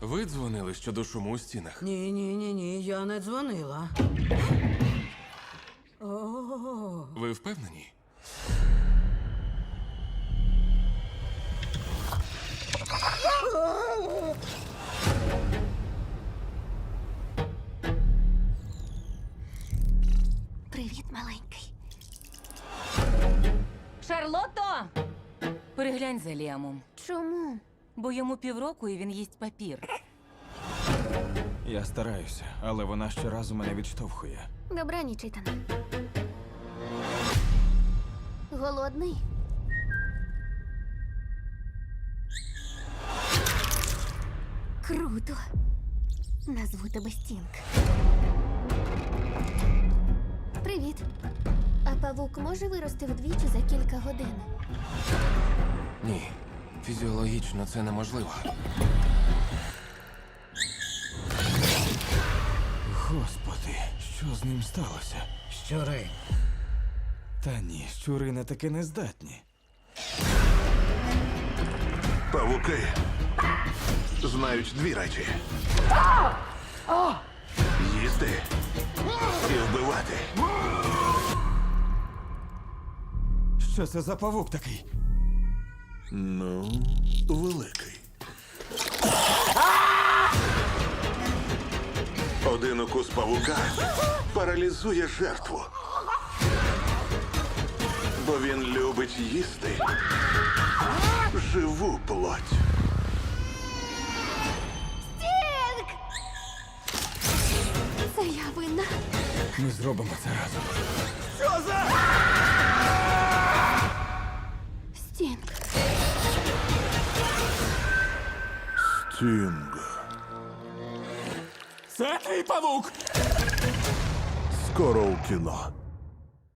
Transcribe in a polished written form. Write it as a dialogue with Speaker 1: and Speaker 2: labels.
Speaker 1: Ви дзвонили щодо шуму у стінах?
Speaker 2: Ні, я не дзвонила. О,
Speaker 1: Ви впевнені?
Speaker 3: Привіт, маленький.
Speaker 4: Шарлотто! Переглянь за Ліамом.
Speaker 3: Чому?
Speaker 4: Бо йому півроку і він їсть папір.
Speaker 5: Я стараюся, але вона щоразу мене відштовхує.
Speaker 3: Добраніч, Ітан. Голодний? Круто. Назву тебе Стінг. Привіт. А павук може вирости вдвічі за кілька годин?
Speaker 1: Ні. Фізіологічно це неможливо.
Speaker 5: Господи, що з ним сталося?
Speaker 2: щури.
Speaker 5: Та ні, щури на таке не здатні.
Speaker 6: Павуки знають дві речі: їсти і вбивати.
Speaker 5: Що це за павук такий?
Speaker 6: Ну, великий. Один укус павука паралізує жертву. Бо він любить їсти живу плоть.
Speaker 3: Стінг! Це я винна.
Speaker 5: Ми зробимо це разом.
Speaker 3: Стінг.
Speaker 6: Стінг.
Speaker 5: Це твій павук!
Speaker 6: Скоро у кіно.